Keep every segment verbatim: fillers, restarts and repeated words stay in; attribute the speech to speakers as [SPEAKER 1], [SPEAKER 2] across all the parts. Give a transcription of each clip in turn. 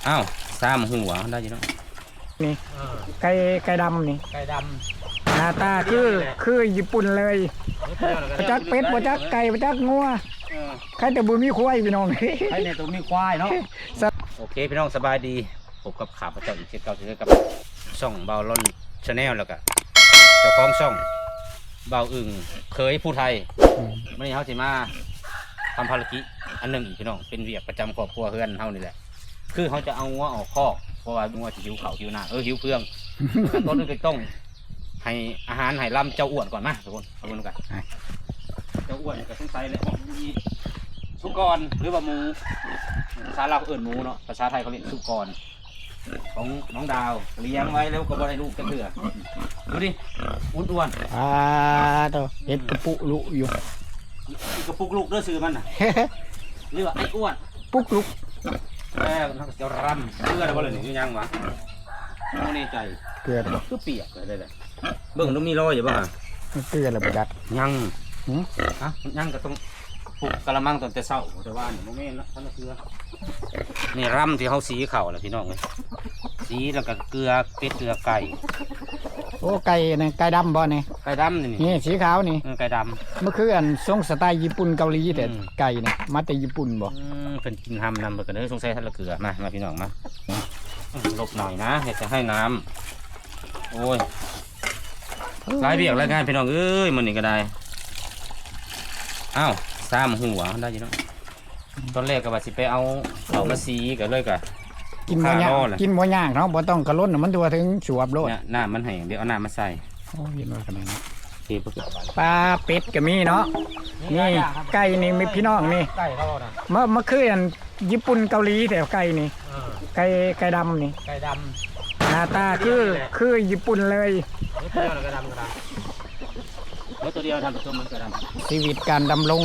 [SPEAKER 1] อ้าวสามหัวได้ยินเนาะ
[SPEAKER 2] นี่ไก่ไก่ดำนี่
[SPEAKER 1] ไก่ด
[SPEAKER 2] ำหน้าตาคือคือญี่ปุ่นเลยประจักเป็ดประจักไก่ประจักงัวใครแต่บุมีควายพี่น้อง
[SPEAKER 1] ใครเนี่ยตัวมีควายเนาะโอเคพี่น้องสบายดีพบกับข่าวพระเจ้าอีกเช่นเก่าเช่นกับช่องเบาล่อนชาแนลแล้วก็เจ้าของช่องเบาอึ่งเคยผู้ไทยไม่ได้เขาสิมาทำภารกิจอันหนึ่งพี่น้องเป็นเวียกประจำครอบครัวเฮือนเฮานี่แหละคือเขาจะเอางัวออกคอกเพราะว่างัวจะหิวเข่าหิวหน้าเออหิวเพื่องต้นนึงก็ต้องให้อาหารให้ลำเจ้าอ้วนก่อนมาทุกคนเอาคนกันเจ้าอ้วนก็ต้องใส่เลยมีสุกรหรือว่าหมูภาษาเราเอื่นหมูเนาะภาษาไทยเขาเรียกสุกรของน้องดาวเลี้ยงไว้แล้วก็บ่ได้ลูกกันเถื่อดูดิอ้วน
[SPEAKER 2] ๆอ่าตัวเห็ดกระปุกลุอยู่
[SPEAKER 1] กระปุกลูกเด้อซื้อมันน่ะเรียกว่าไอ้อ้วน
[SPEAKER 2] ปุกลุก
[SPEAKER 1] แม่นักจะรำเกลืออะไรบ่เลยนี่ยังวะไม่แน่ใจ
[SPEAKER 2] เกลือ
[SPEAKER 1] ก็เปียกเลยเลยเบิ่งต้องมีรอยอยู่บ้าง
[SPEAKER 2] เกลืออะไรบ่ดัด
[SPEAKER 1] ยังฮะยังก็ต้องปลุกกระมังตอนแต่เช้าแต่ว่าเนี่ยโมเมนต์ละท่านเกลือนี่รำที่เขาสีเข่าแหละพี่น้องเลยสีแล้วก็เกลือเป็ดเกลือไก่
[SPEAKER 2] โอ้ไก่เนี่ยไก่ดำบ่เนี่ย
[SPEAKER 1] ไก่ดำนี่
[SPEAKER 2] นี่สีขาวนี่
[SPEAKER 1] ไก่ด
[SPEAKER 2] ำเมื่อคืนทรงสไตล์ญี่ปุ่นเกาหลีแต่ไก่เนี่ยมาแต่ญี่ปุ่นบ่
[SPEAKER 1] เป็นกินทำนำไปกันเลยสงสัยท่านละเกลือมามาพี่น้องมาหลบหน่อยนะอยากจะให้น้ำโอ้ยหลายเบียกหลายงานพี่น้องเอ้ยมันนี่ก็ได้อ้าวสามหัวได้ยินเนาะตอนแรกก็ว่าสิไปเอาเอามาสีกันเลยกัน
[SPEAKER 2] กินหมูย่างกินหมูย่างเนาะบ่ต้องกระล้นมันตัวถึงสวบโลด
[SPEAKER 1] เนี่ยน้ำมันแห้งเดี๋ยวเอาน้ำมาใส่
[SPEAKER 2] โอ้ยน้อยขนาดนี้
[SPEAKER 1] ที
[SPEAKER 2] ปลาเป็ดก็มีเนาะนี่ไก่นี่มีพี่น้องนี่
[SPEAKER 1] ไก่เราน่ะ
[SPEAKER 2] เมื่อเมื่อคืนญี่ปุ่นเกาหลีแต่ไก่นี่ไก่ไก่ดำนี่
[SPEAKER 1] ไก่ด
[SPEAKER 2] ำหน้าตาคือคือญี่ปุ่นเลย
[SPEAKER 1] ตัวเดียวไก่ดำกระดำแล้วตัวเดียวทำผสมมันกระดำ
[SPEAKER 2] ชีวิตการดำรง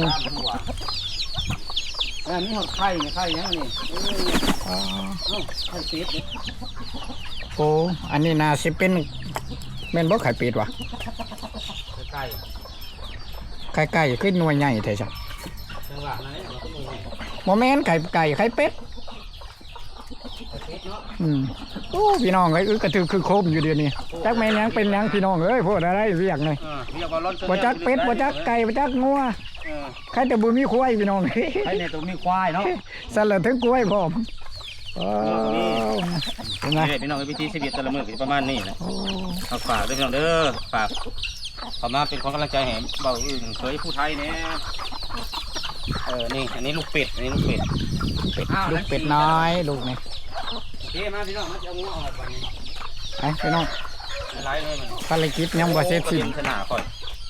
[SPEAKER 1] อันนี้หอดไข่เนี่ยไข่ยังนี่อ๋อไข่เป็ดเนี่ย
[SPEAKER 2] โอ้อันนี้น่าสิเป็นแม่นบ่ไข่เป็ดวะ
[SPEAKER 1] ไก่
[SPEAKER 2] ไข่ไก่ขึ้นหน่วยใหญ่แท้จ้ะ
[SPEAKER 1] จังหวะนั้นเราก็หน่วยใหญ่
[SPEAKER 2] โมเมนต์ไก่ไก่ไข่เป็ดอืมโอ้พี่น้องเอ้ยกระถือคือโคมอยู่เดียวนี้จักแม่ยังเป็นยังพี่น้องเอ้ยพูดอะไรเรียกเลยบ่จักเป็ดบ่จักไก่บ่จักงัวใครแต่บุมีควายพี่น้อง
[SPEAKER 1] ใครเนี่ยตัวมีควายเนาะ
[SPEAKER 2] สลัดถึงกล้วยพร้อม
[SPEAKER 1] เห็นไหมพี่น้องวิธีชีวิตแต่ละมื้อประมาณนี้แหละฝากฝากด้วยพี่น้องเด้อฝากขอมาเป็นคนกำลังใจให้เบาอึ่งเคยผู้ไทยเนี่ยเออนี่อันนี้ลูกเป็ดอันนี้ลูกเป็ด
[SPEAKER 2] ลูกเป็ดน้อยลูกนี่
[SPEAKER 1] โอเคมาพี่น้องมาจะเอางัวออกไป
[SPEAKER 2] ไปพี่น้อง
[SPEAKER 1] ไล่เลยมัน
[SPEAKER 2] ภารกิจยังบ่เสร็จสิ้น
[SPEAKER 1] ชนะก่อน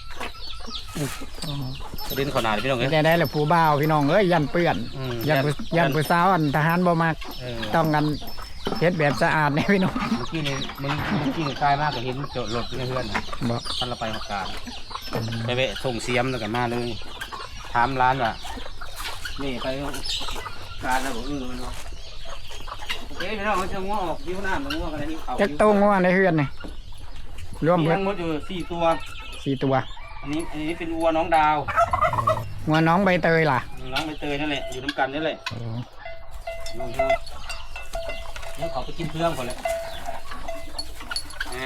[SPEAKER 1] เดินขนาดพี่น้องเอ้ย
[SPEAKER 2] ได้ได้แล้วผู้บ่าวพี่น้องเอ้ยยันเปื้อนยันยันผู้สาวอันทหารบ่มักต้องกันเฮ็ดแบบสะอาดเนี่ยพี่น้อง
[SPEAKER 1] เมื่อกี้นี่มันเมื่อกี้นี่กลายมากกว่าเห็นโจรถเพื่อน
[SPEAKER 2] บ่
[SPEAKER 1] ท่านเราไปหกการไปเวะส่งเสียมแล้วกันมาเลยถามร้านว่านี่ไปการแล้วบอกเออมันว่าโอเคพี่น้องเขาจะง้อออกยิ้วหน้ามันง้อกันนี่เขา
[SPEAKER 2] จะโตง้อในเฮือนนี่รวม
[SPEAKER 1] ทั้งหมดอยู่สี่ตัว
[SPEAKER 2] สี่ตัว
[SPEAKER 1] อันนี้อันนี้เป็นวัวน้องดาว
[SPEAKER 2] วัวน้องใบเตยล่ะ
[SPEAKER 1] น้องใบเตยนั่นแหละอยู่น้ำกันนั่นแหละน้องเธอแล้วขอไปกินเพื่อนก่อนเลยอ่า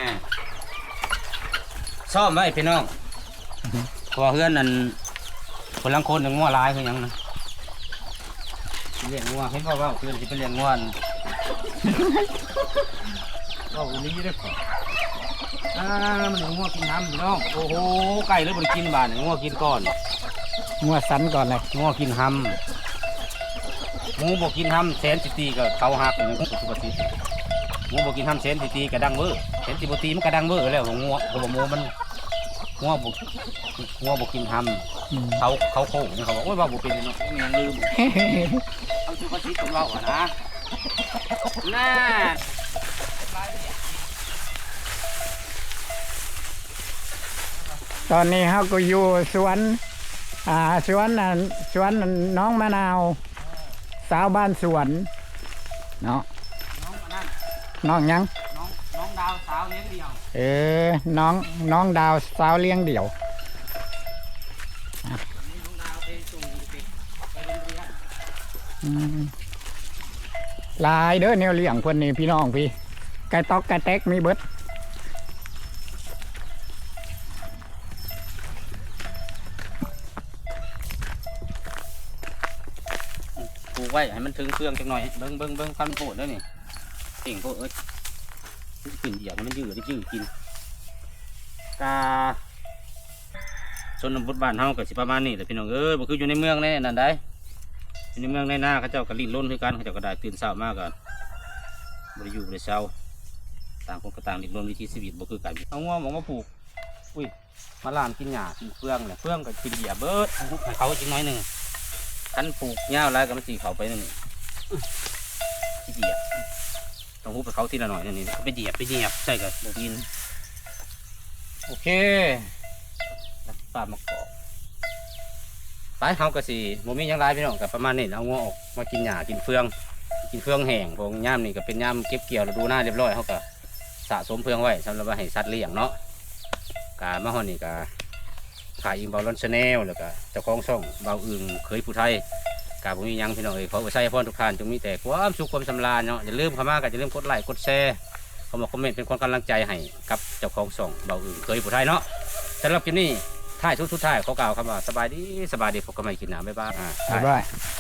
[SPEAKER 1] ซ่อมไว้พี่น้องตัวเพื่อนนั่นคนลังคนหนึ่งงัวลายคือยังนะเลี้ยงงัวให้พ่อว่าเพื่อนที่เป็นเลี้ยงงัวก็วันนี้ได้ก่อนอ่ามันงัวกินน้ำพี่น้องโอ้โหไก่เลยบริกินบานงัวกินก่อน
[SPEAKER 2] งัวสันก่อนเลย
[SPEAKER 1] งัวกินห้ำหมูบอกกินห้ำแสนสิตีกับเขาหักหมูปกติหมูบอกกินห้ำแสนสิตีกับดังเบอร์แสนสิบตีมันกระดังเบอร์แล้วของงัวของหมูมันงัวบอกงัวบอกกินห้ำเขาเขาโค้งเขาบอกโอ้ยว่าบุเป็นเนาะมันยังลืมเขาชื่อภาษีของเราอะนะน่า
[SPEAKER 2] ตอนนี้เขาก็อยู่สวนอ่าสวนน่ะสวนน้องมะนาวสาวบ้านสวนเนาะน้องยัง
[SPEAKER 1] น้องน้องดาวสาวเลี้ยงเดี่ยว
[SPEAKER 2] เออน้องน้องดาวสาวเลี้ยงเดี่ยว
[SPEAKER 1] น้องดาวไปส่งเด็กไปโรงเรียน
[SPEAKER 2] หลายเด้อแนวเลี้ยงเพิ่นนี่พี่น้องพี่ไก่ตอกไก่แตกมีเบิด
[SPEAKER 1] ปลูกไว้ให้มันถึงเครื่องจังหน่อยเบิ้งเบิ้งเบิ้งพันโพดแล้วนี่เก่งโพดเอ้ยกินเหยียบให้มันยืดได้ยืดกินกาชนบทบานเฮากับสิประมาณนี้แต่พี่น้องเอ้ยบ่คืออยู่ในเมืองแน่นั่นได้อยู่ในเมืองในหน้าเขาเจ้าก็ลิ้นล้นคือกันเขาเจ้าก็ได้ตื่นเช้ามากกันบ่ได้อยู่บ่ได้เช้าต่างคนก็ต่างลิ้นล้นวิถีชีวิตบ่คือกันเอางัวหมองมาปลูกอุ้ยมาลามกินหญ้ากินเฟืองเนี่ยเฟืองก็กินเหยียบเบิดให้เขาอีกน้อยหนึ่งคันปลูกหญ้าอะไรก็มันสีเขาไปนั่นนี่ที่เหยียบต้องหุบไปเขาทีละหน่อยนี่ไปเหยียบไปเหยียบใช่กับบ่กินโอเคปลามะกอกไปเขาก็สิโมมีหยังไรพี่น้องกับประมาณนี้เอางัวออกมากินหญ้ากินเฟืองกินเฟืองแห้งพวกย่ามนี่ก็เป็นย่ามเก็บเกี่ยวฤดูหน้าเรียบร้อยเขาก็สะสมเฟืองไว้สำหรับว่าให้สัตว์เลี้ยงเนาะกามาฮอนนี่ก็ขายอิงเบาลอนชาแนลแล้วก็เจ้าของช่องเบาอึ่งเคยผู้ไทยกาผมมีหยังพี่น้องเอ้ยขอใส่พ่อทุกท่านจงมีแต่ความสุขความสำราญเนาะอย่าลืมเข้ามากันอย่าลืมกดไลค์กดแชร์เข้ามาคอมเมนต์เป็นความกำลังใจให้กับเจ้าของช่องเบาอึ่งเคยผู้ไทยเนาะสำหรับคลิปนี้ท้ายทุกทุกท้ายขอกล่าวคำว่าสบายดีสบายดีพบกันใหม่คลิปหน้าบ๊ายบายอ่า
[SPEAKER 2] บ๊ายบาย